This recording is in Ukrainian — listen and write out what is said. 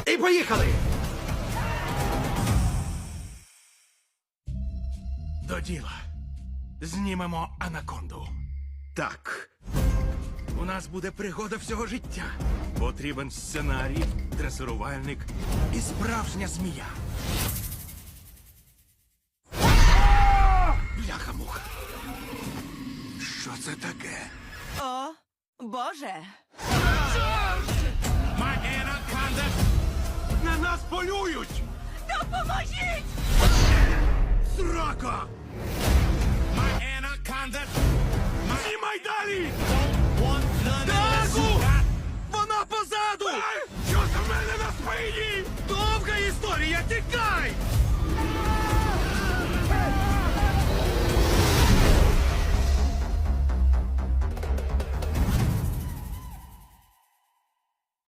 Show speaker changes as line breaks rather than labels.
І поїхали! До діла. Знімемо анаконду.
Так.
У нас буде пригода всього життя. Потрібен сценарій, дресирувальник і справжня змія. Бляха-муха. Що це таке?
О, Боже!
My Anaconda! На нас полюють!
Допоможіть!
Срака! My Anaconda! Знімай далі!